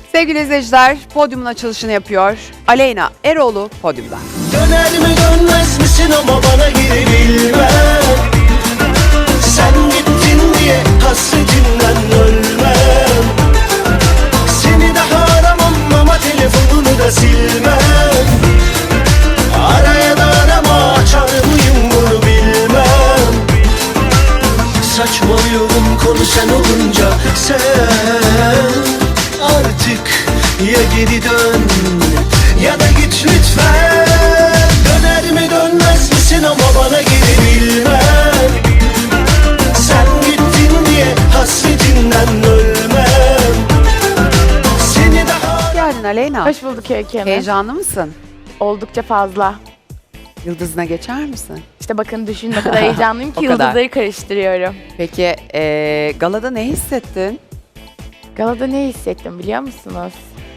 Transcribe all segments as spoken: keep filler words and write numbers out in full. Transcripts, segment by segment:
Sevgili izleyiciler, podyumun açılışını yapıyor. Aleyna Eroğlu podyumda. Döner mi dönmez misin ama bana geri bilmem. Sen gittin diye hasretinden ölmem. Seni daha aramam ama telefonunu da silmem. Araya da arama, açar mıyım bunu bilmem. Saçmalıyorum konu sen olunca. Sen artık ya geri dön ya da git lütfen. Döner mi dönmez misin ama bana geri bilmem. Sen gittin diye hasretinden ölmem. Seni daha... Geldin Aleyna. Hoş bulduk Öykü Hanım. Heyecanlı mısın? Oldukça fazla. Yıldızına geçer misin? İşte bakın düşün ne kadar heyecanlıyım ki O kadar. yıldızları karıştırıyorum. Peki ee, galada ne hissettin? Galada ne hissettim biliyor musunuz?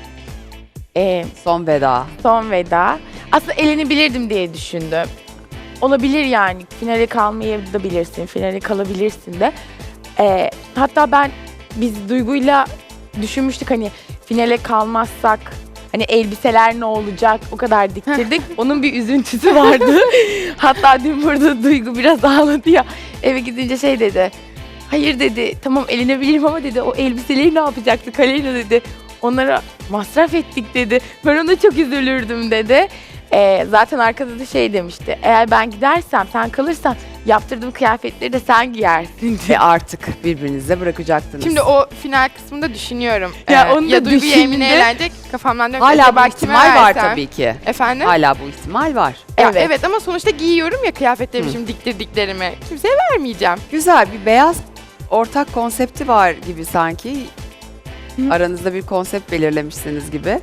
Ee, Son veda. son veda. Aslında elenebilirdim diye düşündüm. Olabilir yani. Finale kalmayabilirsin, finale kalabilirsin de. Ee, hatta ben biz Duygu'yla düşünmüştük hani finale kalmazsak hani elbiseler ne olacak o kadar diktirdik. Onun bir üzüntüsü vardı. Hatta dün burada Duygu biraz ağladı ya. Eve gidince şey dedi. Hayır dedi, tamam elenebilirim ama dedi o elbiseleri ne yapacaktık Aleyna dedi. Onlara masraf ettik dedi. Ben ona çok üzülürdüm dedi. Ee, zaten arkada da şey demişti. Eğer ben gidersem sen kalırsan yaptırdığım kıyafetleri de sen giyersin Ve diye. artık birbirinize bırakacaktınız. Şimdi o final kısmında düşünüyorum. Ya Ee, onu da ya Duygu ya Emine düşündüm. eğlenecek kafamdan diyorum. hala acaba bu kime ihtimal var versem? tabii ki. Efendim? Hala bu ihtimal var. Ya Evet. evet. ama sonuçta giyiyorum ya kıyafetlerimi Hı. şimdi diktirdiklerimi. Kimseye vermeyeceğim. Güzel bir beyaz ortak konsepti var gibi sanki. Hı. Aranızda bir konsept belirlemişsiniz gibi.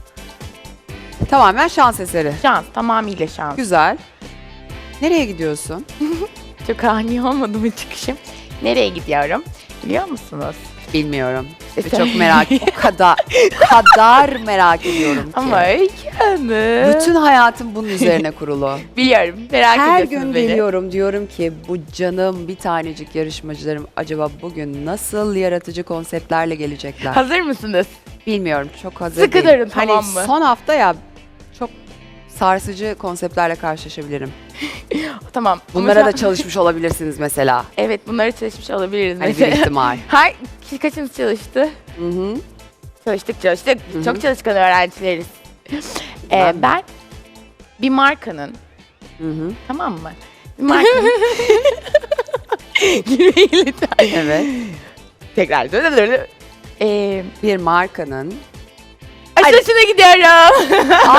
Tamamen şans eseri. Şans, tamamıyla şans. Güzel. Nereye gidiyorsun? Çok ani olmadı mı çıkışım? Nereye gidiyorum? Biliyor musunuz? Bilmiyorum. Ve İşte- çok merak, o kadar, kadar merak ediyorum ki. Ama Öykü Hanım. Bütün hayatım bunun üzerine kurulu. Biliyorum, merak Her ediyorsunuz gün beni. geliyorum diyorum ki bu canım bir tanecik yarışmacılarım acaba bugün nasıl yaratıcı konseptlerle gelecekler? Hazır mısınız? Bilmiyorum, çok hazır Sıkı değilim. durun, Hani tamam mı? son hafta ya çok sarsıcı konseptlerle karşılaşabilirim. Tamam. Ama Bunlara şu da an- çalışmış olabilirsiniz mesela. Evet, bunları çalışmış olabiliriz Hani bir mesela. ihtimal. Hay, kişi kaçınız çalıştı? Hı hı. Çalıştık, çalıştık. Hı hı. Çok çalışkan öğrencileriz. Ee, Ben de. ben bir markanın, Hı hı. tamam mı? Bir markanın... Gülmeyin lütfen. Evet. Tekrar. Ee, Bir markanın açılışına gidiyorum.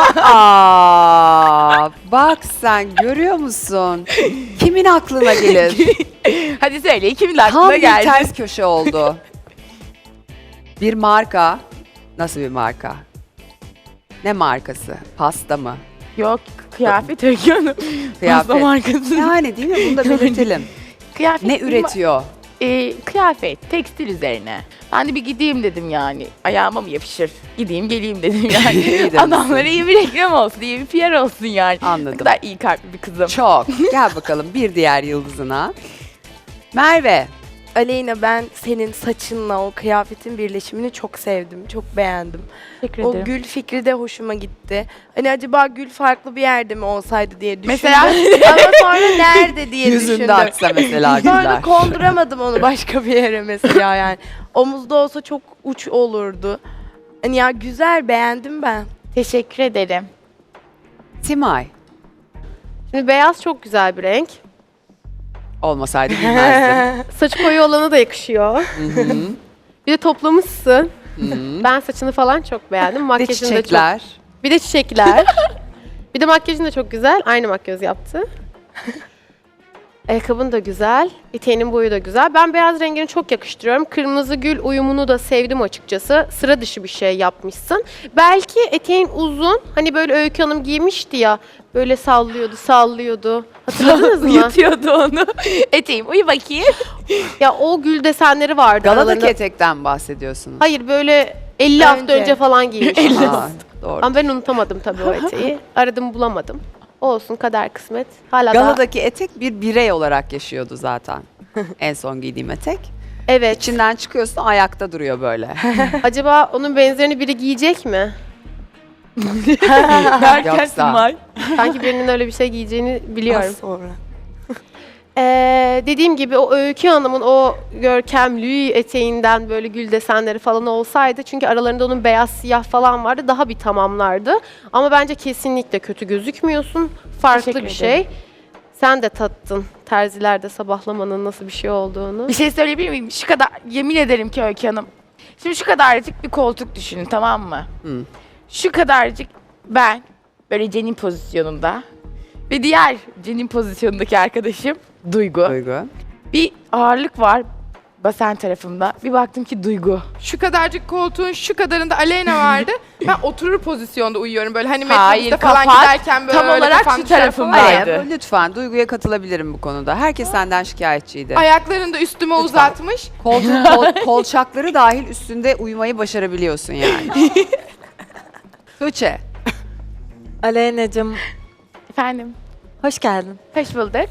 Aa, bak sen görüyor musun? Kimin aklına gelir? Hadi söyle, kimin Tam aklına bir geldi? ters köşe oldu. Bir marka. Nasıl bir marka? Ne markası? Pasta mı? Yok, kıyafet Öykü Hanım. Kıyafet. Pasta markası. Yani değil mi? Bunu da belirtelim. Kıyafet Ne bir ma- üretiyor? e, kıyafet, tekstil üzerine. Ben de bir gideyim dedim yani. Ayağıma mı yapışır? Gideyim geleyim dedim İyi yani. demişsin. Adamlara iyi bir reklam olsun, iyi bir P R olsun yani. Ne Anladım. kadar iyi kalpli bir kızım. Çok. Gel bakalım bir diğer yıldızına. Merve. Aleyna, ben senin saçınla o kıyafetin birleşimini çok sevdim, çok beğendim. Teşekkür O ederim. gül fikri de hoşuma gitti. Hani acaba gül farklı bir yerde mi olsaydı diye düşündüm. Mesela? Ama sonra nerede diye düşündüm. Yüzünde aksa mesela Sonra güller. konduramadım onu başka bir yere mesela yani. Omuzda olsa çok uç olurdu. Hani ya güzel, beğendim ben. Teşekkür ederim. Simay. Şimdi beyaz çok güzel bir renk. Olmasaydı bilmezdim. Saçı koyu olana da yakışıyor. Hı hı. Bir de toplamışsın. Hı hı. Ben saçını falan çok beğendim. Bir de Makyajın da çok. çiçekler. Bir de çiçekler. Bir de makyajın da çok güzel. Aynı makyaj yaptı. Ayakkabın da güzel. Eteğinin boyu da güzel. Ben beyaz rengini çok yakıştırıyorum. Kırmızı gül uyumunu da sevdim açıkçası. Sıra dışı bir şey yapmışsın. Belki eteğin uzun. Hani böyle Öykü Hanım giymişti ya. Böyle sallıyordu, sallıyordu. Hatırladınız mı? Yutuyordu onu. Eteğim, uyu bakayım. Ya o gül desenleri vardı Galadaki aralarında. etekten bahsediyorsunuz. Hayır, böyle elli hafta Önce. önce falan giymiş. Aa, doğru. Ama ben unutamadım tabii o eteği. Aradım bulamadım. Olsun, kader kısmet. Hala daha Galadaki etek bir birey olarak yaşıyordu zaten. En son giydiğim etek. Evet. İçinden çıkıyorsun ayakta duruyor böyle. Acaba onun benzerini biri giyecek mi? Derken Yoksa. Simay. Sanki birinin öyle bir şey giyeceğini biliyorum. Az sonra. Ee, dediğim gibi o Öykü Hanım'ın o görkemlü eteğinden böyle gül desenleri falan olsaydı, çünkü aralarında onun beyaz siyah falan vardı, daha bir tamamlardı. Ama bence kesinlikle kötü gözükmüyorsun. Farklı Teşekkür bir şey. Sen de tattın terzilerde sabahlamanın nasıl bir şey olduğunu. Bir şey söyleyebilir miyim? Şu kadar, yemin ederim ki Öykü Hanım. Şimdi şu kadarcık bir koltuk düşünün, tamam mı? Hı. Şu kadarcık ben böyle cenin pozisyonunda ve diğer cenin pozisyonundaki arkadaşım Duygu. Duygu. Bir ağırlık var basen tarafımda. Bir baktım ki Duygu. Şu kadarcık koltuğun şu kadarında Aleyna vardı. Ben oturur pozisyonda uyuyorum böyle hani Hayır, metrobüste falan kapat. giderken böyle Tam olarak kafam şu düşer tarafım falan. var. Hayır, lütfen Duygu'ya katılabilirim bu konuda. Herkes senden şikayetçiydi. Ayaklarını da üstüme Lütfen. uzatmış. Koltuk, kol- kolçakları dahil üstünde uyumayı başarabiliyorsun yani. Tuğçe. Aleyna'cığım Efendim, hoş geldin. hoş bulduk.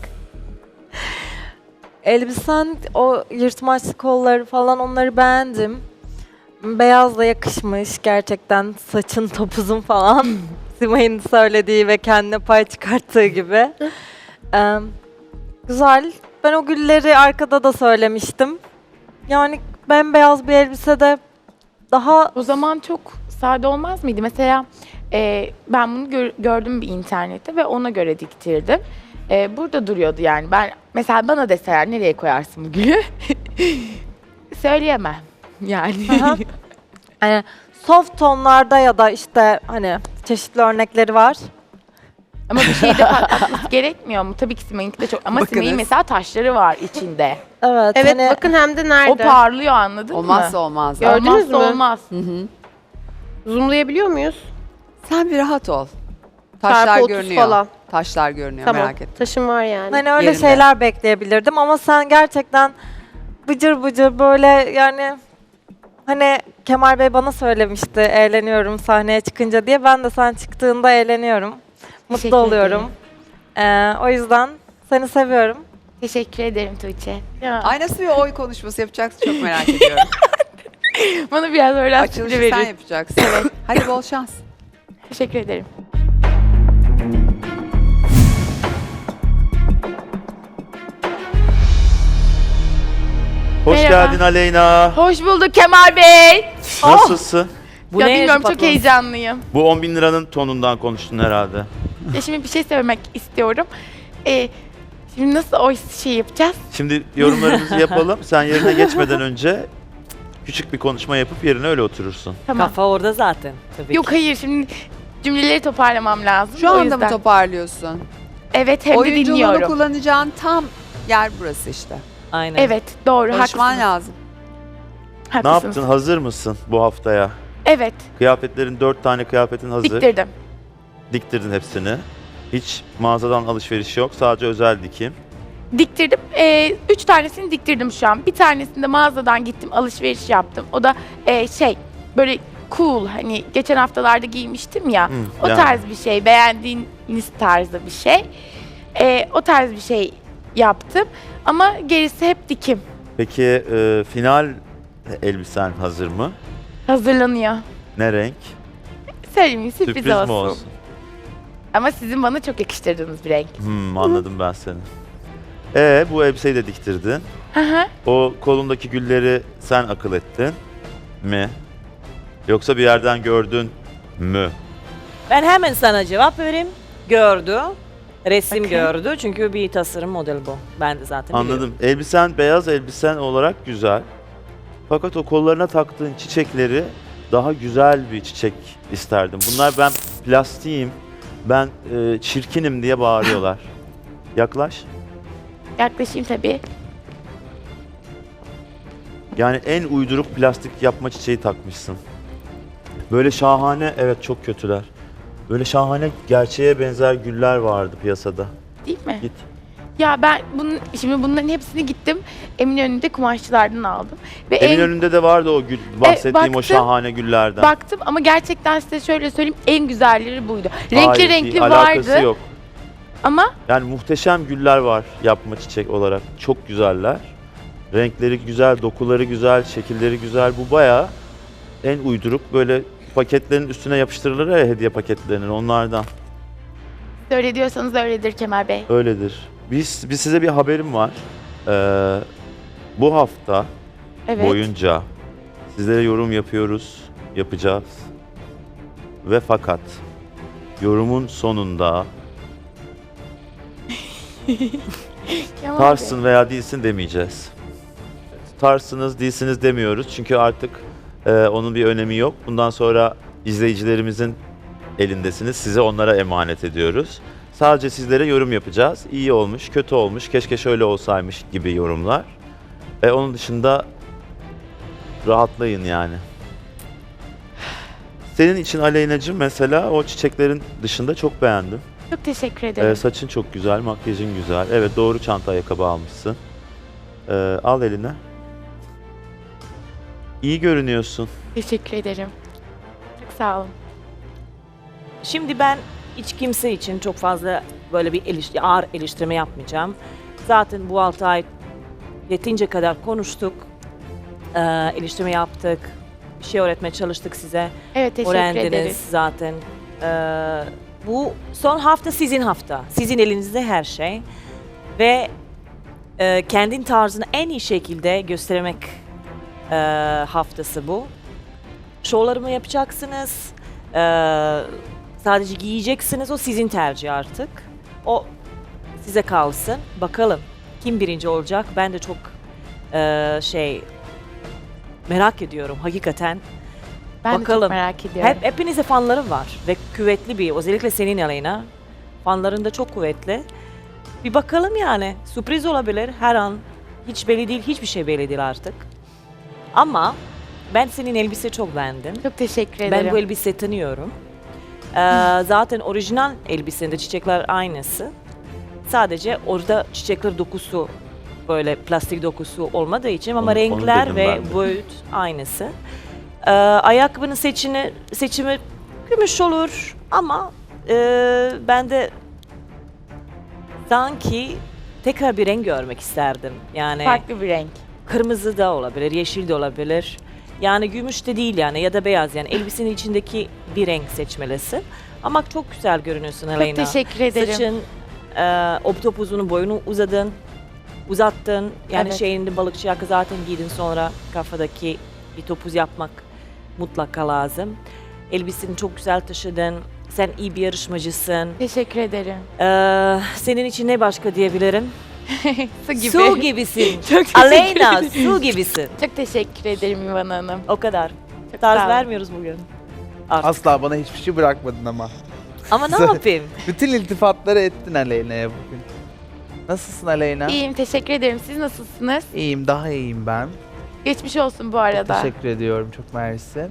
Elbisen, o yırtmaçlı kolları falan, onları beğendim. Beyaz da yakışmış gerçekten, saçın topuzun falan. Simay'ın söylediği ve kendine pay çıkarttığı gibi. Ee, güzel. Ben o gülleri arkada da söylemiştim. Yani bembeyaz bir elbisede daha O zaman çok sade olmaz mıydı? Mesela e, ben bunu gör- gördüm bir internette ve ona göre diktirdim. E, burada duruyordu yani. Ben mesela bana deseler nereye koyarsın bu gülü? Söyleyemem yani. Aha. hani soft tonlarda ya da işte hani çeşitli örnekleri var. Ama bir şey de patlatması gerekmiyor mu? Tabii ki Simay'ınki de çok. Ama Bakınız. Simay'ın mesela taşları var içinde. Evet. Evet, hani bakın hem de nerede? O parlıyor, anladın Olmazsa mı? olmaz. Gördünüz Olmazsa mü? olmaz. Hı hı. Zoomlayabiliyor muyuz? Sen bir rahat ol. Taşlar Çarpı otuz görünüyor. falan. Taşlar görünüyor, Tamam. merak etme. Taşım var yani. Hani öyle Yerinde. şeyler bekleyebilirdim ama sen gerçekten bıcır bıcır böyle, yani hani Kemal Bey bana söylemişti eğleniyorum sahneye çıkınca diye. Ben de sen çıktığında eğleniyorum. Mutlu Teşekkür oluyorum. Ee, o yüzden seni seviyorum. Teşekkür ederim Tuğçe. Ya, Ay nasıl bir oy konuşması yapacaksın çok merak ediyorum. bana biraz öyle Açılışı verin. sen yapacaksın. Evet. Hadi bol şans. Teşekkür ederim. Hoş Merhaba. geldin Aleyna. Hoş bulduk Kemal Bey. Nasılsın? ya bilmiyorum, çok heyecanlıyım. Bu on bin liranın tonundan konuştun herhalde. Ya şimdi bir şey söylemek istiyorum. Ee, şimdi nasıl o şey yapacağız? Şimdi yorumlarımızı yapalım. Sen yerine geçmeden önce küçük bir konuşma yapıp yerine öyle oturursun. Tamam. Kafa orada zaten. Tabii Yok hayır, şimdi cümleleri toparlamam lazım. Şu o anda yüzden. mı toparlıyorsun? Evet, hem de Oyunculuğunu dinliyorum. kullanacağın tam yer burası işte. Aynen. Evet, doğru, Konuşman haklısınız. lazım. Ne haklısınız. yaptın? Hazır mısın bu haftaya? Evet, Kıyafetlerin dört tane kıyafetin hazır. diktirdim. Diktirdin hepsini. Hiç mağazadan alışveriş yok. Sadece özel dikim. Diktirdim. Ee, üç tanesini diktirdim şu an. Bir tanesinde mağazadan gittim, alışveriş yaptım. O da e, şey, böyle cool, hani geçen haftalarda giymiştim ya. Hı, o yani. tarz bir şey, beğendiğiniz tarzda bir şey. Ee, o tarz bir şey yaptım. Ama gerisi hep dikim. Peki e, final elbisen hazır mı? Hazırlanıyor. Ne renk? Söyleyeyim, sürpriz, Sürpriz olsun. mi olsun? Ama sizin bana çok yakıştırdığınız bir renk. Hmm, anladım ben seni. Ee, bu elbiseyi de diktirdin. Hı hı. O kolundaki gülleri sen akıl ettin mi? Yoksa bir yerden gördün mü? Ben hemen sana cevap vereyim. Gördü. Resim Okey. gördü. Çünkü bir tasarım model bu. Ben de zaten biliyorum. Anladım. Elbisen beyaz elbisen olarak güzel. Fakat o kollarına taktığın çiçekleri daha güzel bir çiçek isterdim. Bunlar ben plastiğim, ben e, çirkinim diye bağırıyorlar. Yaklaş. Yaklaşayım tabii. Yani en uyduruk plastik yapma çiçeği takmışsın. Böyle şahane, evet çok kötüler. Böyle şahane gerçeğe benzer güller vardı piyasada. Değil mi? Git. Ya ben bunun, şimdi bunların hepsini gittim Eminönü'nde kumaşçılardan aldım. Ve en Eminönü'nde de vardı o gül, bahsettiğim o baktım, şahane güllerden. baktım ama gerçekten size şöyle söyleyeyim, en güzelleri buydu. Renkli Hayır, renkli değil, alakası vardı yok. ama Yani muhteşem güller var yapma çiçek olarak. Çok güzeller. Renkleri güzel, dokuları güzel, şekilleri güzel. Bu bayağı en uyduruk böyle paketlerin üstüne yapıştırılır ya hediye paketlerinin onlardan. Öyle diyorsanız öyledir Kemal Bey. Öyledir. Biz, biz size bir haberim var. Ee, bu hafta Evet. boyunca sizlere yorum yapıyoruz, yapacağız. Ve fakat yorumun sonunda Kemal Bey. tarsın veya değilsin demeyeceğiz. Tarsınız, değilsiniz demiyoruz çünkü artık e, onun bir önemi yok. Bundan sonra izleyicilerimizin elindesiniz. Size onlara emanet ediyoruz. Sadece sizlere yorum yapacağız. İyi olmuş, kötü olmuş, keşke şöyle olsaymış gibi yorumlar. E, onun dışında rahatlayın yani. Senin için Aleyna'cığım mesela o çiçeklerin dışında çok beğendim. Çok teşekkür ederim. Ee, saçın çok güzel, makyajın güzel. Evet doğru çanta ayakkabı almışsın. Ee, al eline. İyi görünüyorsun. Teşekkür ederim. Çok sağ olun. Şimdi ben hiç kimse için çok fazla böyle bir eleştiri, ağır eleştirme yapmayacağım. Zaten bu altı ay yetince kadar konuştuk, ee, eleştirme yaptık, bir şey öğretmeye çalıştık size. Evet, teşekkür Öğrendiniz ederiz. zaten. Ee, bu son hafta sizin hafta. Sizin elinizde her şey. Ve e, kendin tarzını en iyi şekilde göstermek e, haftası bu. Şovlarımı yapacaksınız. E, sadece giyeceksiniz. O sizin tercih artık. O size kalsın. Bakalım kim birinci olacak. Ben de çok e, şey merak ediyorum hakikaten. Ben de Bakalım. çok merak ediyorum. Hep, hepinize fanlarım var ve kuvvetli bir, özellikle senin Aleyna. Fanların da çok kuvvetli. Bir bakalım yani. Sürpriz olabilir her an. Hiç belli değil, hiçbir şey belli değil artık. Ama ben senin elbise çok beğendim. Çok teşekkür ederim. Ben bu elbise tanıyorum. Ee, zaten orijinal elbisende çiçekler aynısı. Sadece orada çiçekler dokusu, böyle plastik dokusu olmadığı için ama Onu- onu renkler dedim ve ben de. boyut aynısı. Ee, ayakkabının seçini, seçimi gümüş olur ama e, ben de sanki tekrar bir renk görmek isterdim. Yani Farklı bir renk. kırmızı da olabilir, yeşil de olabilir. Yani gümüş de değil yani ya da beyaz yani elbisenin içindeki bir renk seçmelisin. Ama çok güzel görünüyorsun Aleyna. Çok teşekkür ederim. Saçın, e, o topuzunun boyunu uzadın, uzattın. Yani Evet. şeyinde balıkçı yaka zaten giydin sonra kafadaki bir topuz yapmak mutlaka lazım. Elbiseni çok güzel taşıdın. Sen iyi bir yarışmacısın. Teşekkür ederim. Ee, senin için ne başka diyebilirim? Su gibi. Su gibisin. Çok teşekkür Aleyna ederim. su gibisin. Çok teşekkür ederim İvan Hanım. O kadar. Çok Tarz sağ olun. vermiyoruz bugün. Artık. Asla bana hiçbir şey bırakmadın ama. Ama ne yapayım? Bütün iltifatları ettin Aleyna'ya bugün. Nasılsın Aleyna? İyiyim, teşekkür ederim. Siz nasılsınız? İyiyim, daha iyiyim ben. Geçmiş olsun bu Çok arada. teşekkür ediyorum, çok mersi.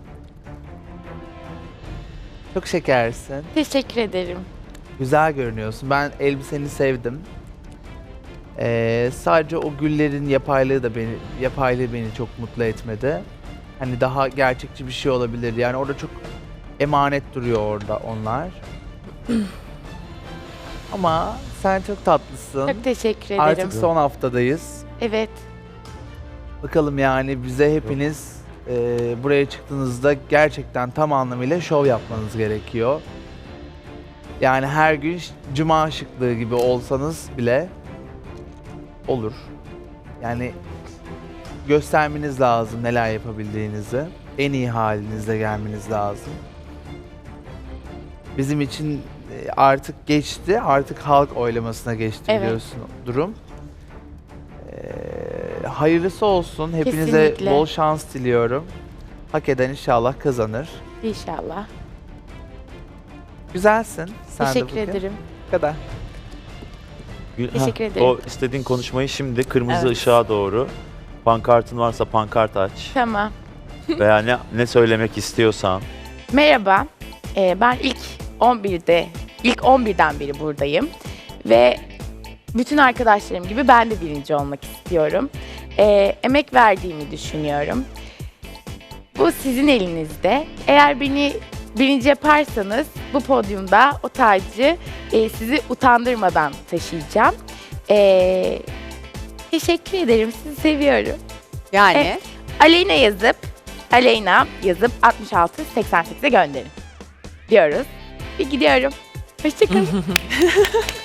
Çok şekersin. Teşekkür ederim. Güzel görünüyorsun. Ben elbiseni sevdim. Ee, sadece o güllerin yapaylığı da beni, yapaylığı beni çok mutlu etmedi. Hani daha gerçekçi bir şey olabilir. Yani orada çok emanet duruyor orada onlar. Ama sen çok tatlısın. Çok teşekkür ederim. Artık son haftadayız. Evet. Bakalım yani bize hepiniz e, buraya çıktığınızda gerçekten tam anlamıyla şov yapmanız gerekiyor. Yani her gün ş- cuma şıklığı gibi olsanız bile olur. Yani göstermeniz lazım neler yapabildiğinizi. En iyi halinizle gelmeniz lazım. Bizim için e, artık geçti. Artık halk oylamasına geçti Evet. biliyorsun durum. Ee, hayırlısı olsun. Hepinize Kesinlikle. bol şans diliyorum. Hak eden inşallah kazanır. İnşallah. Güzelsin. Sen de Teşekkür bugün. ederim. Bu kadar. Gül- Teşekkür Heh, ederim. O istediğin konuşmayı şimdi kırmızı Evet. ışığa doğru. Pankartın varsa pankart aç. Tamam. Veya ne, ne söylemek istiyorsan. Merhaba. Ee, ben ilk on birde, ilk on birden beri buradayım. Ve bütün arkadaşlarım gibi ben de birinci olmak istiyorum. Ee, emek verdiğimi düşünüyorum. Bu sizin elinizde. Eğer beni birinci yaparsanız bu podyumda o tacı e, sizi utandırmadan taşıyacağım. Ee, Teşekkür ederim. Sizi seviyorum. Yani Evet. Aleyna yazıp Aleyna yazıp altmış altı seksen sekize gönderin diyoruz. Bir gidiyorum. Hoşçakalın.